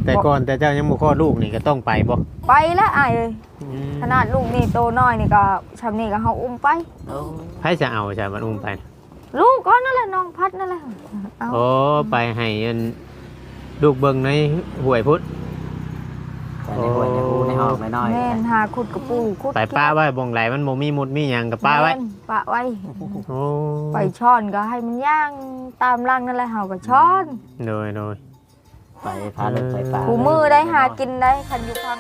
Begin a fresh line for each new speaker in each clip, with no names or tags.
แต่ก่อนแต่เจ้ายังบ่คลอดลูกนี่ก็ต้องไปบ่
ไปแล้วอ้ายเอ้ยขนาดลูกนี่โตน้อยนี่ก็ชำนี่ก็เฮาอุ้มไป
ไผจะเอาจ้ะมันอุ้มไป
ลูกก็นั่นแหละน้องพัดนั่นแหละ
โอ้ไปให้ลูกเบิ่งในห้วยพุทธ
ในห้วยในปูในห้องน้อย
แม่นหาขุดกระปูขุด
ไปป้าไว้บ่งไหลมันบ่มีมุดมีหยังก็ป้าไว้
ป้าไว้
โอ้
ไปช้อนก็ให้มันย่างตามรังนั่นแหละเฮาก็ช้อน
โดย
ไปพาลูกไปป่า
กูมือได้หากินได้คันอยู่พัง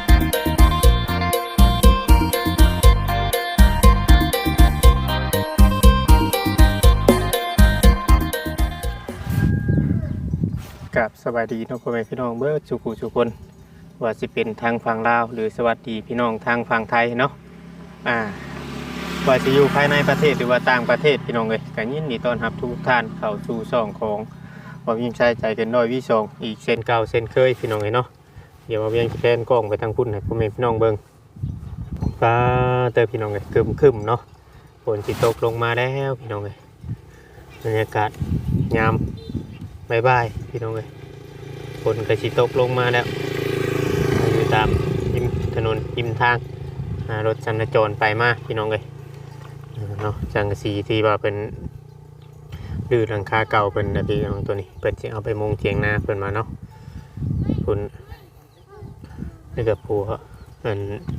กับสวัสดีน้องพ่อแม่พี่น้องเบิร์ดสุขุสุคนว่าสิเป็นทางฝั่งลาวหรือสวัสดีพี่น้องทางฝั่งไทยเนาะว่าจะอยู่ภายในประเทศหรือว่าต่างประเทศพี่น้องเลยกันยินดีต้อนรับทุกท่านเข้าสู่ช่องของว่ายิ่งใช้ใจกันน้อยวิชองอีกเส้นเก่าเส้นเคยพี่น้องเลยเนาะเดี๋ยวมาเวียงแพนกล้องไปทางพุ่นให้พ่อแม่พี่น้องเบิ่งฟ้าเตอพี่น้องเลยคึมเนาะฝนสิตกลงมาแล้วพี่น้องเลยบรรยากาศยามบายพี่น้องเลยฝนกระชิตกลงมาแล้วอยู่ตามริมถนนริมทางรถสัญจรไปมาพี่น้องเลยเนาะจังสีที่ว่าเป็นดื้อหลังคาเก่าเป็นแบบนี้ของตัวนี้เปิดจะเอาไปมุงเทียงนาเปิดมาเนาะคุณนี่กับผัวเป็น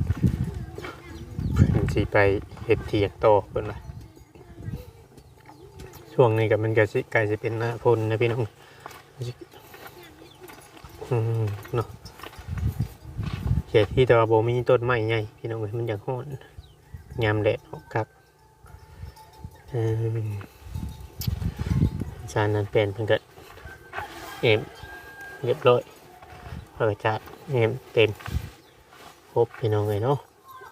สีไปเห็ดเทียงโตเปิดมาช่วงนี้กับมันก็ใกล้จะเป็นหน้าฝนนะพี่น้องเนาะเขตที่แต่ว่าโบมีต้นไม้ใหญ่พี่น้องมันอยากโหดยามแดดออกครับจานนั้นเป็นเพิ่งเกิดเรียบร้อยพระจัดเต็มครบพี่น้องเลยเนาะ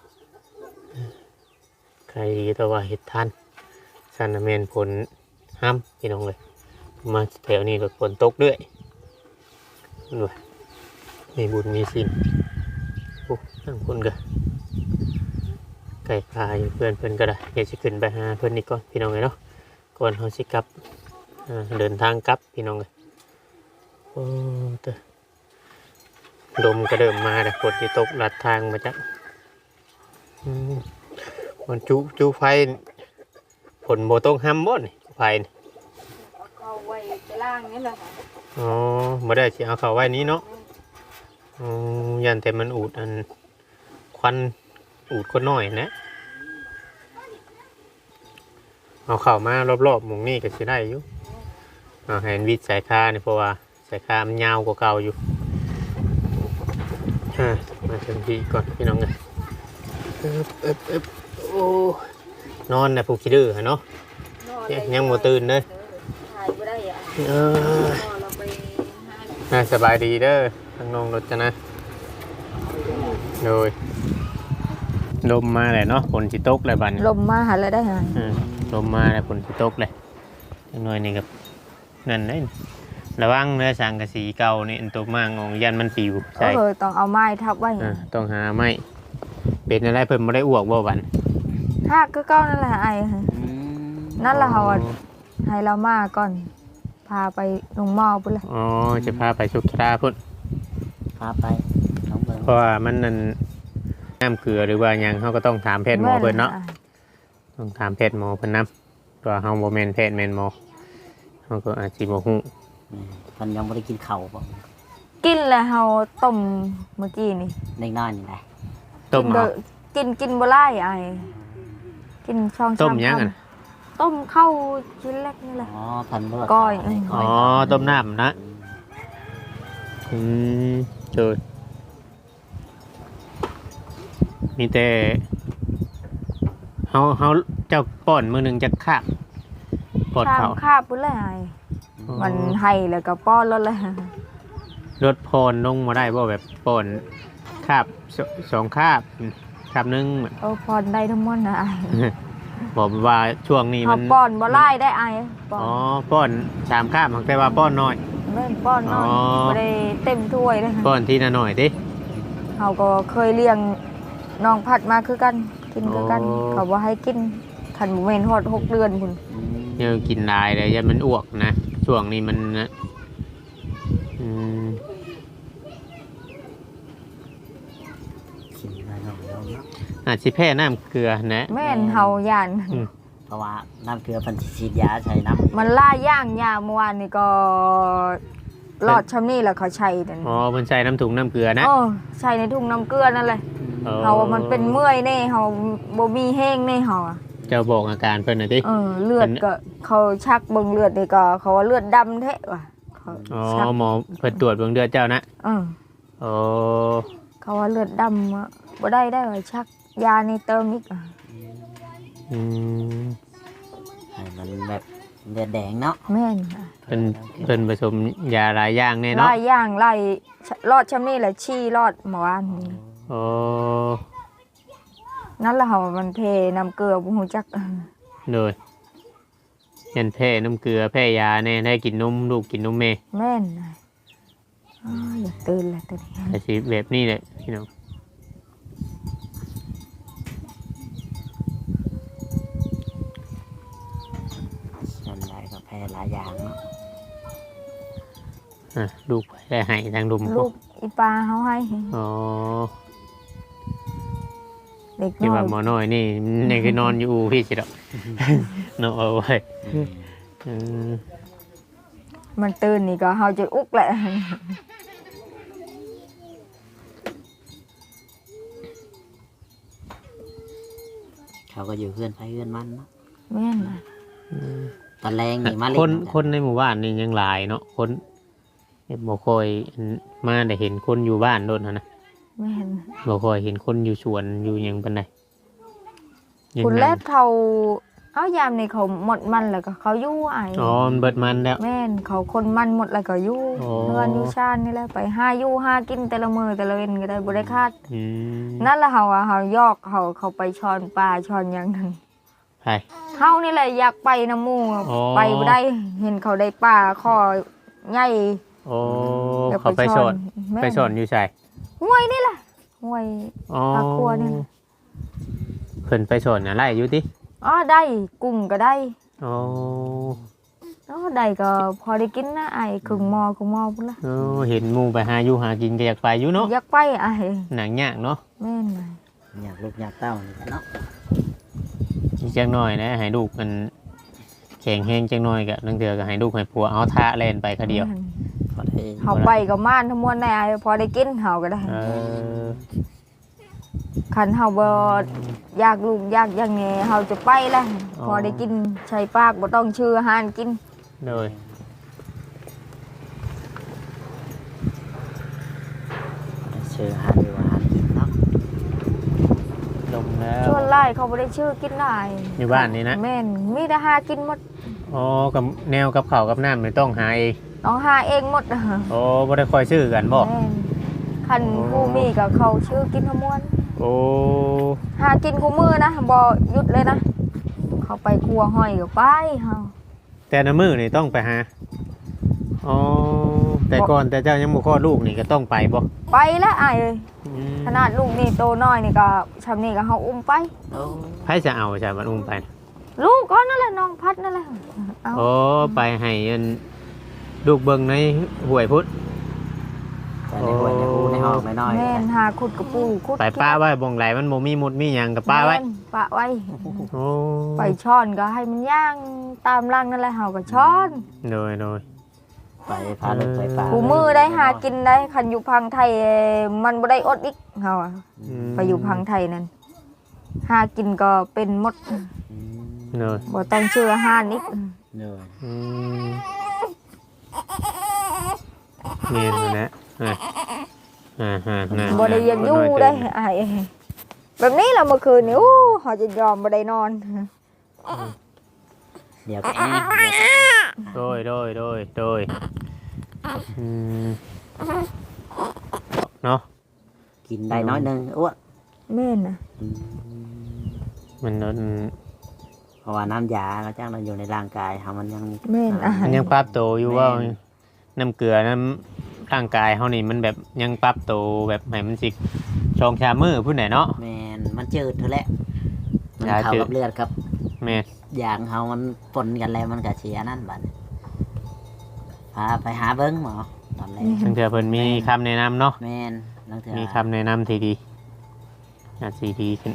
ใครดีแต่ว่าเห็ดทันจานนั้นเป็นผลห้ามพี่น้องเลยมาแถวนี้ก็ฝนตกด้วยด้วยมีบุญมีสินโอ้ทั้งคนก็ไก่พายเพื่อนก็ได้เดี๋ยวจะขึ้นไปหาเพื่อนนี่ก่อนพี่น้องเลยเนาะก่อนเขาสิกลับเดินทางกลับพี่น้องเลยโอ้เตอลมก็เดิมมาแต่ฝนที่ตกลัดทางมาจากมันจูไฟฝนโบต้องห้ำบ่นไฟ
เอาไว้ไปล่างนี่แหละ
อ๋อมาได้สิเอาเขาไว้นี้เนาะยันแต่มันอูดควันอูดก็น้อยนะเอาเข่ามารอบๆหมุงนี่ก็จะได้อยู่เห็นวิดสายคาเนี่ยเพราะว่าสายคามันยาวกว่าเก่าอยู่มาถึงที่ก่อนพี่น้องกันโอ้นอนนะผู้คิดดื้อเนาะยังโมตื่นเลยสบายดีเด้อทางน้องรถจะนะโดยลมมาเลยเนาะฝนสิตกเลยบัด
ลมมาหาอะไรได้ไง
ลมมาเลยฝนสิตกเลยหน่อยนี่กับนั่นเลยระวังเนื้อสังกะสีเก่านี่อันตัวมากงยันมันปิวใช่
ต้องเอาไม้ทับไว้
ต้องหาไม้เป็นอะไรเพิ่มไม่ได้อ้วกบ่บัน
หักก็เก้านั่นแหละไอ้นั่นแหละเขาให้เรามาก่อนพาไปลงหม้อพุ่นเลย
อ๋อจะพาไปชุกชาพุ่น
พาไป
เพราะว่ามันนั่นน้ำเกลือหรือว่ายังเขาก็ต้องถามแพทย์หมอเพิ่นเนาะต้องถามแพทย์หมอเพิ่นนำตัวเขาโมเมนแพทย์แมนหมอเขาก็อาจจะโมหู
มันยังไม่ได้กินเข่าป่ะ
กินเลยเขาต้มเมื่อกี้นี่
เล็กน้อยนี่แหละ
ต้ม
กินบ่ไล่ไอ้กินช่อง
ต้มยังอ่ะ
ต้มข้าวชิ้นเล็กนี่แหละ
อ๋อพันเลือด
ก้อย
อ๋อต้มน้ำนะเจอมีแต่เขาเจ้าป้อนมือหนึ่งจะคาบป้อนเขา
คาบปุ๊บเลยมันให้แล้วก็ป้อนรถเลย
รถพรลงมาได้บ่แบบป้อนคาบ2 คาบนึง
พรได้ทั้งหมดนะ
บอกว่าช่วงนี้มัน
ป้อนบ่ไล่ได้
อ๋อป้อน3 คาบมันแปลว่าป้อนน้อย
ไม่ป้อนน้อยไม่ได้เต็มถ้วยเลย
ป้อนทีละหน่อยดิ
เขาก็เคยเลี้ยงน้องผัดมาคือกันกินคือกันเขาว่าให้กินขันบุเมนหอด6 เดือนคุณ
เนี่ยกินได้เลยยันมันอ้วกนะช่วงนี้มันอาจสิแพ้น้ำเกลือนะ
แม่นเฮาย่าน
เพราะว่าน้ำเกลือเพิ่นสิฉีดยาใส่น้ำ
มันล่าย่างยาเมื่อวานนี่ก็รอดชำนี่แหละเขาใช้นั่น
อ๋อเพิ่นใส่น้ำถุงน้ำเกลือนะ
เออใช้ในถุงน้ำเกลือนั่นแหละ
อ๋อ
เฮาว่ามันเป็นเมื่อยแน่เฮาบ่มีแห้งแน่เฮาอะ
เจ้าบอกอาการเพิ่นน่ะติ
เลือดก็เขาชักเบิ่งเลือดนี่ก็เขาว่าเลือดดำแท้ว่ะเขา
อ๋อ
ชัก
หมอเพิ่นตรวจเบิ่งเลือดเจ้านะ
เออ
อ๋อ
เขาว่าเลือดดำอะบ่ได้ว่าชักยานี่เติมอีกอะ
อืม
ให้มันแบบเลือดแดงเนาะ
แม่นอะ
เพิ่นผสมยาหลายอย่างแน่
ห
เนาะ
ลายอย่างหลายรอดชำนี่แหละชี้รอดเมื่อวานนี่
อ๋อ
นั่นแหละเฮามันเพน้ำเกลือบ่ฮู้จัก
โดยยันแพ้น้ำเกลือแพ้ยาแน่ได้กินนมลูกกินนมแม่
แม่นอะอ้าวอยากตื่นแล้วตอนนี้
แต่สิแบบนี้แหละพี่น้อง
ส่วนใหญ่ก็แพ้หลายอย่างเนาะ
ลูกไปได้ให้ทางดุม
ลูกอีปลาเฮาให้
อ๋อ
เด็ก
ที่
น้อ
ว่าย หมอน้อยนี่นี่คือนอนอยู่พี่สิดอกเนาะเอาไว้อืม
มันตื่นนี่ก็เฮาจะอุกแหละ
เขาก็อยู่เพื่อนไปเพื่อนมันเนาะ
แม่นอะ
ตอนแรงนี่มาเล่
คน
น
คนในหมู่บ้านนี่ยังหลายเนาะคนบ่ค่อยมาได้เห็นคนอยู่บ้านโดนนะ
แม่น
บ่ค่อยเห็นคนอยู่สวนอยู่หยังปานใดยัง
คุณ
นั่ง
แรกเขาเอายามนี่เขาหมดมันแล้วก็เขาอยู่ไอ้
อ๋อมันเบิดมันแล้ว
แม่นเขาคนมันหมดแล้วก็อยู่
อ๋อ
เฮือนอยู่ชานนี่แหละไปหาอยู่หากินแต่ละมื้อแต่ละเว้นก็ได้บ่ได้คาด
อืม
นั่นแหละเฮาว่าเฮายอกเขาไปช้อนปลาช้อนหยังนั่น
ใช่
เฮานี่แหละอยากไปน้ำหมู่
อ๋อ
ไปบ่ได้เห็นเขาได้ปลาข้อใหญ่
โอ้
อยาก
เขาไปสอน
แม่
ไปสอนอยู่ใส่
ห้วยนี่แหละห้วย
อ๋อ
ปลาครัวนี่แหละ
เพิ่นไปสอนอะไรอยู่ติ
อ๋อได้กุ้งก็ได้
อ๋อ
อ๋อได้ก็พอได้กินนะไอ้ครึ่งหม้อพุ่นละ
เออเห็นหมู่ไปหาอยู่หากินก็อยากไปอยู่เนาะ
อยากไปไอ้
หนังยากเนาะ
แม่นไง
อยากลูกอยากเต้านี่แหละเนาะ
อีกจังหน่อยนะให้ลูกมันแข็งแห้งจังหน่อยก็นังเถือก็ให้ลูกให้ผัวเอาท่าเล่นไปคนเดียว
แม่น
พอได้
เฮาไปกับม่านทั้งมวลได้ไอ้พอได้กินเฮาก็ได้
เออ
คันเฮาบ่อยากลูกอยากอย่างนี้เฮาจะไปละพอได้กินใช้ปากบ่ต้องชื่ออาหารกิน
โดย
เชื่อหาดูอาหารกินเนาะ
ลงแล้ว
ชวนไล่เขาบ่ได้ชื่อกินได้
อยู่บ้านนี่นะ
แม่นมีแต่หากินหมด
อ๋อกับแนวกับข้าวกับน้ำไม่ต้องหาเอง
ต้องหาเองหมด
โอ้บ่ได้คอยซื้อกันบ่
แม่นคันผู้มีก็เขาชื่อกินทั้งมวล
โอ้
หากินคู่มือนะบ่หยุดเลยนะเขาไปครัวห้อยก็ไปเฮา
แต่ละมื้อนี่ต้องไปหาอ๋อแต่ก่อนแต่เจ้ายังบ่คลอดลูกนี่ก็ต้องไปบ่
ไปแล้วอ้ายเอ้ย
อืม
ขนาดลูกนี่โตน้อยนี่ก็ชำนี่ก็เฮาอุ้มไป
โอ้
ไผจะเอาใช่มันอุ้มไป
ลูกก็นั่นแหละน้องพัดนั่นแหละเอา
โอ้ไปให้อันลูกเบิ่งในห้วยพุทธ
ไปในหัวในหูในห้องน้อยๆ
แม่นหาขุดกระปูขุด
ไปป้าไว้บ่งไหลมันบ่มีมุดมีหยังกับป้าไว้
แม่นป้าไว้
โอ้
ไปช้อนก็ให้มันย่างตามรังนั่นแหละเฮาก็ช้อน
โดยโดย
ไปพาลูกไปป่า
กูมือได้หากินได้คันอยู่พังไทยมันบ่ได้อดอีกเฮาอะ
ม
ไปอยู่พังไทยนั่นหากินก็เป็นหมด
อืม
โดย
บ่ต้องชื่ออาหารอีก
เหนื่อย
อืมเมียนอยู่นะอ่า
บ่ได้ยังอยู่ได้ไอ้แบบนี้ล่ะเมื่อคืนนี่โอ้เฮาจะยอมบ่ได้นอน
เดี๋ยวก็แอบเดี๋ยวก็
โดยอืมเนาะ
กินได้น้อยหนึงอ้วน
แม่นน่ะ
อืม
มัน
เพราะว่าน้ำยาเราจ้างเราอยู่ในร่างกายเขามันยัง
แม่นอาหา
มั
ร
นยังปรับตัวอยู่ว่าน้ำเกลือน้ำร่างกายเฮานี่มันแบบยังปรับตัวแบบให้มันสิชองชามือพูดไหนเนาะ
แมนมันจืดเท่าแหละมัน
ยา
เข้า
จืด
กับเลือดครับ
แม่น
อย่างเขามันปนกันแล้วมันก็เสียนั่นบัดพาไปหาเบิ้งหมอตอนแรก
ทั้งเถื่อเพิ่นมีคำแนะนำเนาะ
แมนลังเถื่อ
มีคำแนะนำที่ดีอาจสิดีขึ้น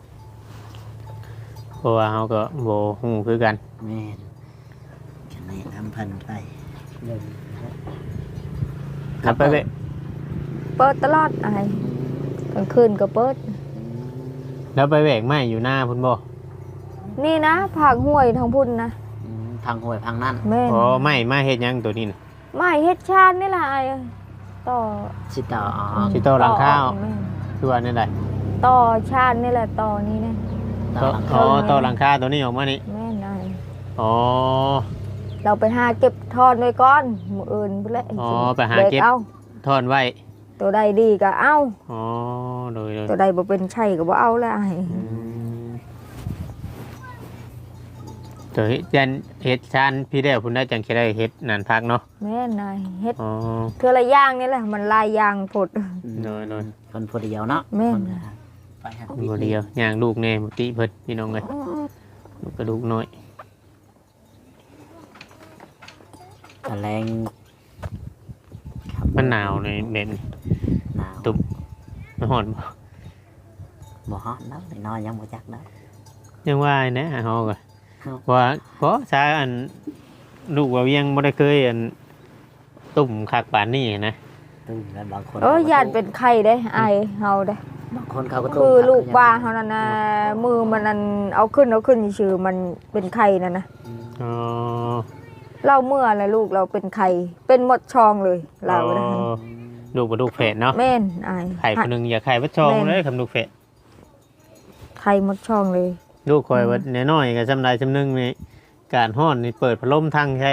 เพราะว่าเฮาก็บ่ฮู้คือกัน
แม่นกันแนะนำเพิ่นไปเดิน
ครับไปเว้ย
เปิดตลอดอ้ายกลางคืนก็เปิด
แล้วไปแหวกไม้อยู่หน้าพุ่นบ่
นี่นะผากห้วยทางพุ่นนะ
พังห้วยพังนั่น
แม่น
อ๋อไม้มาเฮ็ดหยังตัวนี้น่ะ
ไม่เฮ็ดชานนี่ล่ะอ้ายต่อ
สิต่ออ๋อ
สิโตหลังข้าว
แม่น
คือว่านั่นแหละ
ต่อชานนี่แหละต่อนี้นะ
ต่อหลัง
อ๋อ
คา
ต่อหลังคาตัวนี้ออกมานี่
แม่นอ้าย
อ๋อ
เราไปหาเก็บทอนไว้ก่อนมื้ออื่นพุ่นแหละ
อ๋อไปหาเก็บ
เอา
ทอนไว้
ตัวใดดีก็เอา
อ๋อโดย
ตัวใดบ่เป็นไช่ก็บ่เอาแล้วอ้าย
อืมตัวเฮ็ดชานพี่ได้พุ่นได้จังสิได้เฮ็ดนั่นพักเนาะ
แม่นอ้ายเฮ็ด
อ๋อ
เทื่อละอย่างนี่แหละมันหลายอย่างพด
โดย
คนผู้เดียวเนาะ
แม่น
ไปหา
บ่เดียวย่างลูกแน่บ่ติเพิ่นพี่น้องเอ้ยลูกกระดูกน้อย
กระแรง
มันหนาวในแบบนี้
หนาว
ตุ่ม มันร้อนบ่
บ่ฮอดเนาะนอนยังบ่จักเนาะ
ยังว่าแนะเฮาก็
ครับ
ว่าเพราะซาอันลูกว่าเวียงบ่ได้เคยอันตุ่มคักปานนี้นะ
ตื่นแล้วบางคน
ยานเป็นไข้ได้อายเฮาได้
บางคนเขาก็
คือลูกว่าเฮานั่นน่ะมือมันนั่นเอาขึ้นชื่อๆมันเป็นไข้นั่นนะ
อ๋อ
เราเมื่อแล้วลูกเราเป็นไข้เป็นหมดช่องเลยเรานะ
อ๋อลูกบ่ลูกแฝดเนาะ
แม่นอาย
ไข่คนหนึงอย่าไข่บ่ชองเลยคำลูกแฝด
ไข้หมดช่องเลย
ลูกคอยว่าน้อยๆก็จำได้จำนึงนี่การฮ้อนนี่เปิดพัดลมทั้งใช่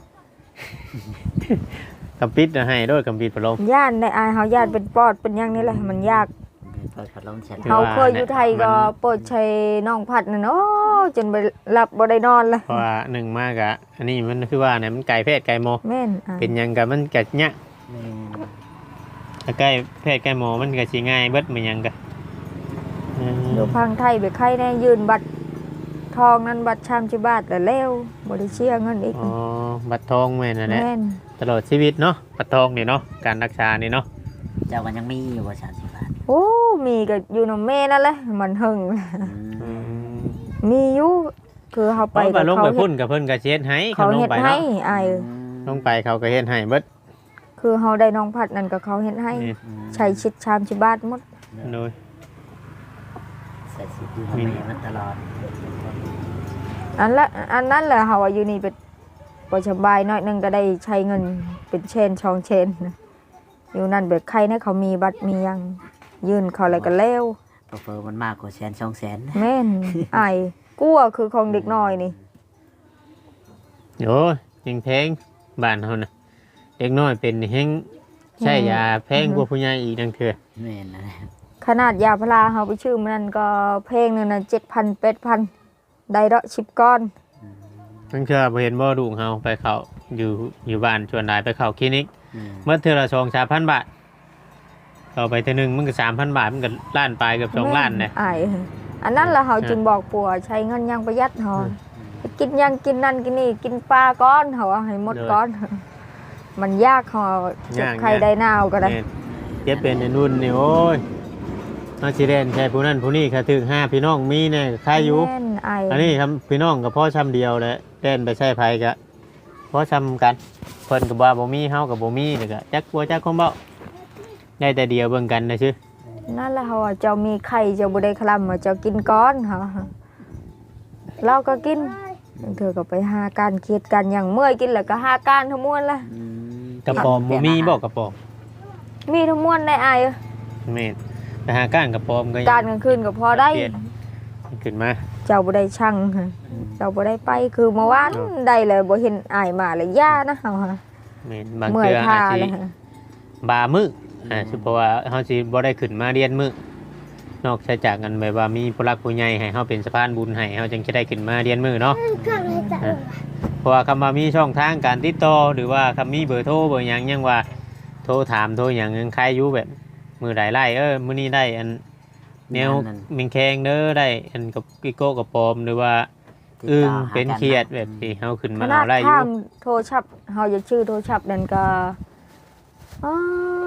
กำปิดให้ด้วยกำปิดพัดลม
ย่านในอายเฮาย่านเป็นปอดเป็นหยังนี่แหละมันยาก
เปิดพัดลมเสร็จ
คือ
เฮา
ว่า
เคยอยู่ไทยก็
มัน
เปิดใช้น้องพัดนั่นโอ้จนไปหลับบ่ได้นอนเลย
เพราะว่าหนึ่งมากอะอันนี้มันคือว่าเนี่ยมันไก่เพศไก่หมอ
แม่นอาย
เป็นหยังกับมันกัดเนี่ย
แม่น
ถ้าไก่เพศไก่หมอมันก็สิง่ายเบิดมันหยังกะ
อยู่พังไทยไปไข้แน่ยืนบัตรทองนั้นบัตรชามชิบาทแล้วแล้วบ่ได้เชียเงินอีก
อ๋อบัตรทองแม่นนั่นแหละ
แม่น
ตลอดชีวิตเนาะบัตรทองนี่เนาะการรักษานี่เนาะ
เจ้าก็ยังมีอยู่ว่า30 บาท
โอ้มีก็อยู่นำแม่นั่นแหละมันหึง
อืม
มีอยู่คือเฮา
ไป
ไป
ไปลงไป
เฮ็
พุ่
ด
นกับเพิ่นก็เช็ดให้
เขา
ลง
เฮ็ด
ไป
ให้
เนาะ
อาย
ลงไปเขาก็เฮ็ดให้เบิด
คือเฮาได้น้องพัดนั่นก็เขาเฮ็ดให้
นี่
ใช้ชิดชามชิบาทหมด
โดย
ใส่สิอยู่กับแม่มันตลอด
อันนั้นแหละเฮาว่าอยู่นี่เป็นบ่สบายน้อยหนึงก็ได้ใช้เงินเป็นเชนช่องเชนนะอยู่นั่นเบิดใครนะเขามีบัตรมีหยังยื่นเขาอะไรก็แล้ว
เฟอมันมากกว่าแสน2แสน
แม่นอายกลัวคือของเด็กน้อยนี่
โอ้ยยังแพงบ้านเฮาน่ะเด็กน้อยเป็นแฮงใช้ยาแพงกว่าผู้ใหญ่อีกนั่นคือ
แม่นนะ
ขนาดยาพาราเฮาไปชื่อมันนั่นก็เพลงนึงน่ะ7,000 8,000ได้ดอก10ก้อน
นั่นคือบ่เห็นบ่ลูกเฮาไปเข้าอยู่บ้านชวนหลายไปเข้าคลินิก เมื่อเทื่อละ2-3,000 บาทต่อไปเทื่อหนึงมันก็ 3,000 บาทมันก็ล้านปลายเกือบ2ล้านนะ
อายอันนั้นล่ะเฮาจึงบอกปัวใช้เงินอยังประหยัดเฮากินหยังกินนั่นกินนี่กินปลาก้อนเฮาว่าให้หมดก้อน มันยากเฮาเจ็บไข้ได้หนาวก็ได้
แม่นเจ็บเป็นในรุ่นนี่โอ้ยเฮาสิเล่นใช่ผู้นั้นผู้นี้ค่ะถึง5พี่น้องมีแน่ใครอยู่
แม่นอาย
อันนี้ครับพี่น้องก็พอช้ำเดียวแหละเล่นไปใช้ไผก็พอช้ำกันเพิ่นก็บ่าบ่มีเฮาก็บ่มีนี่ก็จักกลัวจักคงเบ้าได้แต่เดียวเบิ่งกันนะซื่อ
นั่นแหละเฮาว่าเจ้ามีไข่เจ้าบ่ได้คลำว่าเจ้ากินก้อนเฮาเราก็กินเธอก็ไปหาการเครียดกันอย่างเมื่อยกินแล้วก็หาการทั้งมวลละ
กระป๋อมบ่มีบ่กระป๋อม
มีทั้งมวลในอาย
แม่นไปหาก้านกระป๋อมก็
การกลางคืนก็พอได้
เปลี่ยนขึ้นมา
เจ้าบ่ได้ช่างเจ้าบ่ได้ไปคือเมื่อวานได้เลยบ่เห็นอายมาเลยย่านะเฮา
แม่นบาง
เมื่อย
เทื่อ
ทา
อาจสิ
เลย
บามื้อคือเพราะว่าเฮาสิบ่ได้ขึ้นมาเรียนมื้อนอกจากกันแบบว่ามีผู้รักผู้ใหญ่ให้เฮาเป็นสะพานบุญให้เฮาจึงจะได้ขึ้นมาเรียนมื้อเนาะเพราะว่าคำว่ามีช่องทางการติดต่อหรือว่าคำมีเบอร์โทรเบอร์หยังยังว่าโทรถามโทรหยังยังใครอยู่แบบมื้อใดไล่มื้อนี้ได้อันแนวมิงแคงเด้อได้อันกับกิโก้กับปอมหรือว่าเป็นเครียดแบบที่เฮาขึ้น
ข
มา
นา
เอา
ด
ได้อ
ข้า
ยู่
มโทรศัพท์เฮาจะชื่อโทรศัพท์นั่นก็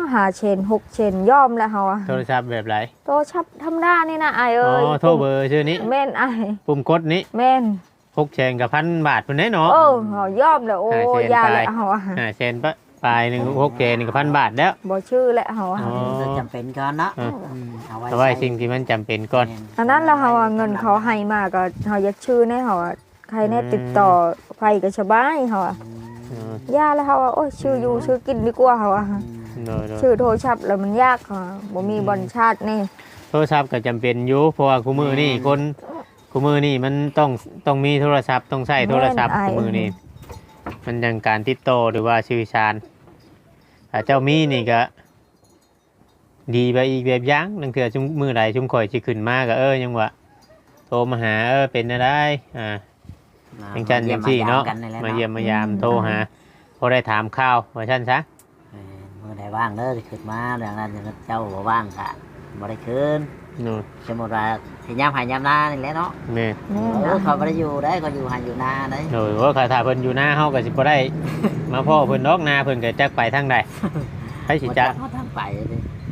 5 เชน 6 เชนยอมแล้วเฮาอะ
โทรศัพท์แบบไร
โตชับธรรมดานี่นะอาย
อ๋
เอ้ย
อโทรเบอร์ชื่อนี้
แม่นอาย
ปุ่มกดนี้
แม่น
6 แสนกับ1,000 บาทพุ่นแน่เนาะ
เฮายอมแล้วโอ้
5 เชน
ยา
ไป
แล้วเฮาอะ
5 แสนปลายหนึง6 แสนนี่ก็1,000 บาทแล้ว
บ่ชื่อแล้วเฮาอะ
อ๋อ
จะจำเป็นก่อนเนาะ
อ่ะ
เอาไว้
เอาไว้สิ่งที่มันจำเป็นก่อน
อันนั้นแล้วเฮาอะเงินเขาให้มาก็เฮาอยากชื่อแน่เฮาอะใครแน่ติดต่อไผก็สบายเฮาอะ
อ๋อย
าแล้วเฮาอะโอ้ยชื่ออยู่ชื่อกินดีกว่าเฮาอะ
โดย
ชื่อโทรศัพท์แล้วมันยากค่ะบ่มีบอลชาตินี่
โทรศัพท์ก็จำเป็นอยู่เพราะว่าคู่มือนี่คนคู่มือนี่มันต้องมีโทรศัพท์ต้องใช้โทรศัพท์คู่มือนี่มันยังการติดต่อหรือว่าสื่อสารถ้าเจ้ามีนี่ก็ดีไปอีกแบบอยังนั่นคือชุมมือใดชุมข่อยสิขึ้นมาก็ยังว่าโทรมาหาเป็นอะไรจังจันจังซี่เนาะมาเยี่ยมมายามโทรหาพอได้ถามข่าวว่าซั่นซะ
มือไหนว่างเด้อสิขึ้นมาดังนั้นเจ้าบ่ว่างกะบ่ได้ขึ้น
นู่น
สมมุติว่าสิยามหายามนานี่แหละเนาะ
แม่
เขาบ่ได้อยู่ได้เขาอยู่หาอยู่นาได้
โดยว่าถ้าเพิ่นอยู่หน้าเฮาก็สิบ่ได้ มาพ่อเพิ่นดอกนาเพิ่นก็จักไปทางใดไผสิจัก
เขาทางไปเลย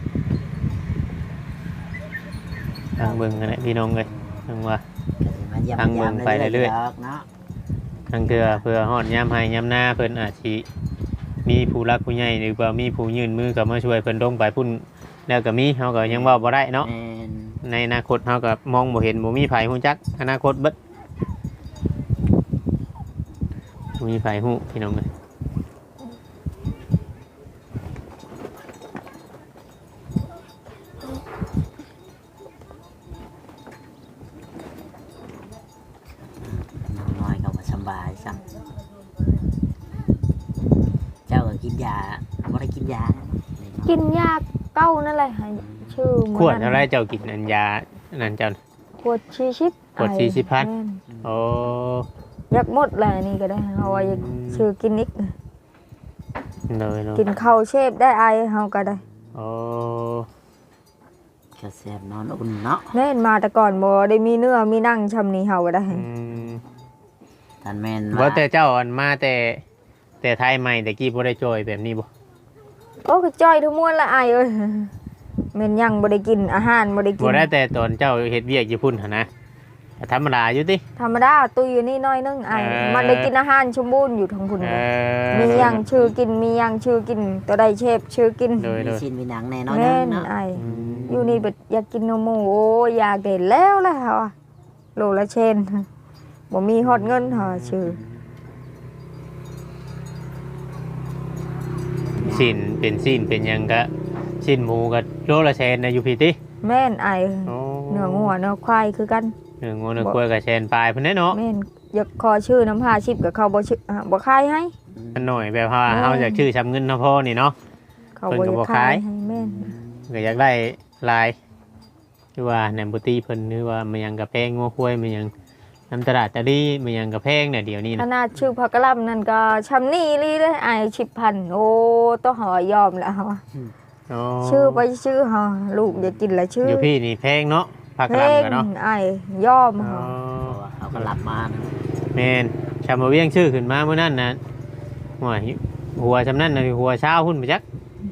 ทางเบิ่งกันแหละพี่น้องเอ้ยทางว่า
มาเยี่ยม
ทางเบิ่งไปเรื่อย
ๆเนาะ
ทางเทื่อเพื่อฮอดยามให้ยามหน้าเพิ่นอาจสิมีผู้รักผู้ใหญ่หรือว่ามีผู้ยื่นมือเข้ามาช่วยเพิ่นลงไปพุ่นแล้วก็มีเฮาก็ยังเว้าบ่ได้เนาะ
แม่น
ในอนาคตเฮาก็มองบ่เห็นบ่มีไผฮู้จักอนาคตเบิดบ่มีไผฮู้พี่น้องเอ้ย
น้อยก็บ่สบายซ้ำเจ้าก็กินยาบ่ได้กินยา
กินยาเก้านั่นแหละให้ชื่อ
ขวดเท่าไรเจ้ากินอันยาอันนั้นเจ้า
ขวด40
ขวด40พัน
แม่น
โอ้
อยากหมดแหละนี่ก็ได้เฮาว่าอยากชื่อกินอีก
เลยเนาะ
กินข้าวเชฟได้ไอเฮาก็ได้
โอ้
ก็แซ่บนอนอุ่นเนาะ
แม่นมาแต่ก่อนบ่ได้มีเนื้อมีหนังชำนี้เฮาก็ได้
ท่านแม่น
บ่แต่เจ้าอันมาแต่ไทยใหม่แต่กี้บ่ได้จอยแบบนี้บ่
โอ้ก็จ้อยทั้งมวลละไอเอ้ยแม่นยังบ่ได้กินอาหารบ่ได้กิ
บ่
น
ได้แต่ตอนเจ้าเฮ็ดเวียกอยู่พุ่นหั่นนะธรรมดาอยู่ติ
ธรรมดาตู้อยู่นี่น้อยนึงไอมันได้กินอาหารสมบูรณ์อยู่ทั้งพุ่น
เออ
มีหยังชื่อกินมีหยังชื่อกินตัวใดเชฟชื่อกิน
โดย
มีชิ้นมีหนังแน่นอน
แม่น
เนาะ
ไอ
อืม
อยู่นี่แบบอยากกินนมหมูโอ้ยอยากเด่นแล้วล่ะเฮาอะโลละเชนบ่มีฮอดเงินเฮาชื่อ
สิ้นเป็นสิ้นเป็นหยังก็สิ้นหมูก็โลละแสนนะอยู่พี่ติ
แม่นไอ
โอ้
เนื้องัวเนื้อควายคือกัน
เนื้องัวเนื้อกล้วยก็แสนปลายพุ่นแน่เนาะ
แม่นอยากขอชื่อน้ำผ้าชิบกับเขาบ่ชื่อบ่ขายให้
มันหน่อยแบบว่าเฮาอยากชื่อชำเงินเนาะพ่อนี่เนาะ
เขา
เพิ่นก็บ่
บ่อยาก
ขา
ขาย ยให้แม่น
ก็อยากได้ลายหรือว่าแหนมบุตรีเพิ่นหรือว่ามันยังกระแพงงัวคุ้ยมันยังน้ำตลาดตะลี่มันยังกระแพงเนี่ยเดี๋ยวนี้
ข
นะ
นาดชื่อพักกะลำนั่นก็ชำนี่ลีเลยไอ้10,000โอ้ต้องหอยอมแล้ว
อ๋อ
ชื่อไปชื่อเฮาลูกอยากกินละชื่อ
อยู่พี่นี่แพงเนาะผัก
เพล
ลำ
ง
กันเนาะ
ไอ้ยอม
อ๋อ
เฮา
เขาก็หลับมานะ
แมนชามาเวียงชื่อขึ้นมาเมื่อนั้นนะหัวชำนั่นนะหัวเช้าหุ่นไปจัก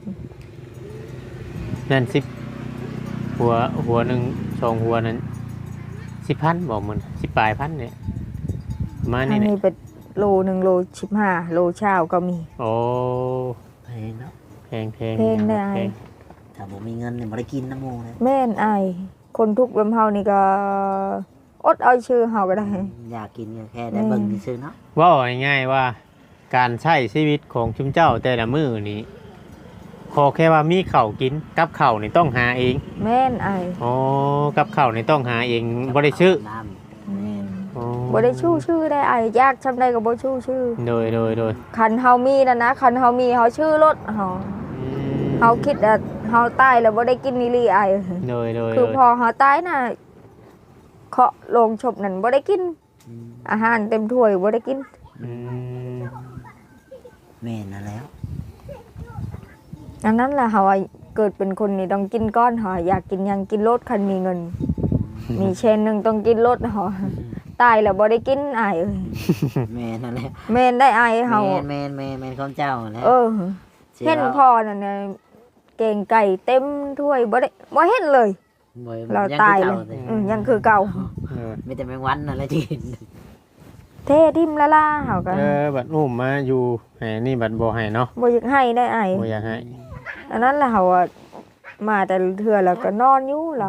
นั่นหัวหนึ่งสองหัวนั้น10,000บอกมัน10 ปลายพันเนี่ยประมาณ
ทา
นี้
ง
แหละ
นี้เป็นโล1โล15โลเช้าก็มี
โอ้
เพลงเนาะ
แพง
เพลงได้
แพง
ถ้าบ่มีเงินนี่บ่ได้กินน้ำหมูเลย
แม่นไอ้คนทุกข์แบบเฮานี่ก็อดเอาชื่อเฮาก็ได้
อยากกินก็แค่ได้เบิ่งซื่อๆเนาะ
ว่าง่ายๆว่าการใช้ชีวิตของชุมเจ้าแต่ละมื้อนี้ขอแค่ว่ามีข้าวกินกับข้าวนี่ต้องหาเอง
แม่นไอ้
อ๋อกับข้าวนี่ต้องหาเองบ่ได้ชื่อ
น้ำแม่น
อ๋อ
บ่ได้ชื่อได้ไอ้ยากจำได้ก็บ่ชื่อ
โดย
คันเฮามีนั่นนะคันเฮามีเฮาชื่อรถเฮา
อืม
เฮาคิดว่าเฮาตายแล้วบ่ได้กินนี่ลีไอ้
โดย
คือพอเฮาตายน่ะเคาะโลงศพนั่นบ่ได้กิน อาหารเต็มถ้วยบ่ได้กิน
อืม
แม่นนั่นแล้ว
อันนั้นแหละเฮาว่าเกิดเป็นคนนี่ต้องกินก้อนเฮาอยากกินหยังกินรถคันมีเงิน มีเชนหนึงต้องกินรถเฮาตายแล้วบ่ได้กินอ้ายเอ้ย
แม่นนั่นแหละ
แม่นได้อ้ายเฮา
แม่นของเจ้าแหล้ว
เออ เห็นพ่อนั่นน่ะแกงไก่เต็มถ้วยบ่เห็นเลย
บ่
เรา
ง
ตาย
คือ
เลย
ก่สิ
ยังคือเก่า
มีแต่แมงวันนั่นแหละที่กิน
เททิมละล่าเฮาก็
บัดอุ้มมาอยู่ให้นี่บัดบ่ให้เนาะ
บ่อยากให้ได้ไอ้
บ่อยากให้
อันนั้นแหละเฮาอะมาแต่เทื่อแล้วก็นอนอยู่เรา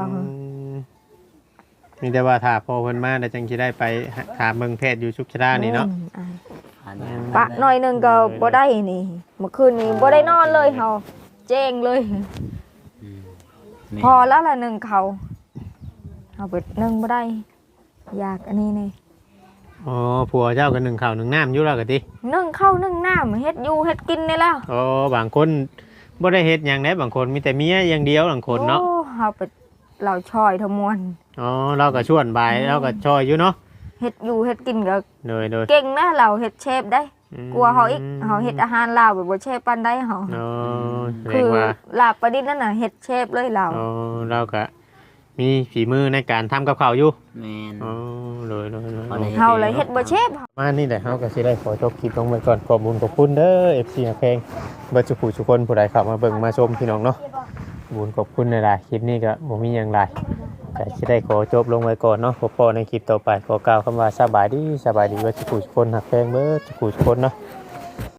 มีแต่ว่าถ้าพอเพิ่นมาแล้วจังสิได้ไปถามเบิ่งแพทย์อยู่ชุกชรานี่เนาะ
อันนี้
ปะหน่อยหนึงก็บ่ได้นี่เมื่อคืนนี้บ่ได้นอนเลยเฮาแจ้งเลย
อืมแม่
พอแล้วละหนึ่งเขาเอาไปนึ่งบ่ได้อยากอันนี้นี่
อ๋อผัวเจ้าก็นึ่งข้าวนึ่งน้ำอยู่แล้วก็ติ
นึ่งข้าวนึ่งน้ำเฮ็ดอยู่เฮ็ดกินนี่แล้ว
อ๋อบางคนบ่ได้เฮ็ดหยังได้บางคนมีแต่เมียอย่างเดียวบางคนเนาะ
โอ้เอาไปเราช่อยทั้งมวล
อ๋อเราก็ชวนบายเราก็ช่วยอยู่เนาะ
เฮ็ดอยู่เฮ็ดกินก็
โดย
เก่งนะเราเฮ็ดเชฟได้
ม
กลัวเฮาอีกเฮาเฮ็ดอาหารลาวแบบบ่เชฟปานใดเฮา
อ๋อแสด
คื
ง
อ
ว่า
ลาบประดิษฐ์นั่นน่ะเฮ็ดเชฟเลยเรา
อ๋อเราก็มีฝีมือในการทำกับข้าวอยู่
แม่น
อ๋อโดย
พอได้
เฮาเลยเฮ็ดบ่เชฟ
มานี่แหละเฮาก็สิได้ขอจบคลิปลงไปก่อนขอบคุณขอบคุณเด้อ FC ฮักเพลงเบิดทุกผู้ทุกคนผู้ใดเข้ามาเบิ่งมาชมพี่น้องเนาะบุญขอบคุณหลายๆคลิปนี้ก็บ่มีหยังหลายก็สิได้ขอจบลงไว้ก่อนเนาะพบในคลิปต่อไปขอกล่าวคำว่าสบายดีเบิดทุกผู้ทุกคนฮักเพลงเบิดทุกผู้ทุกคนเนาะ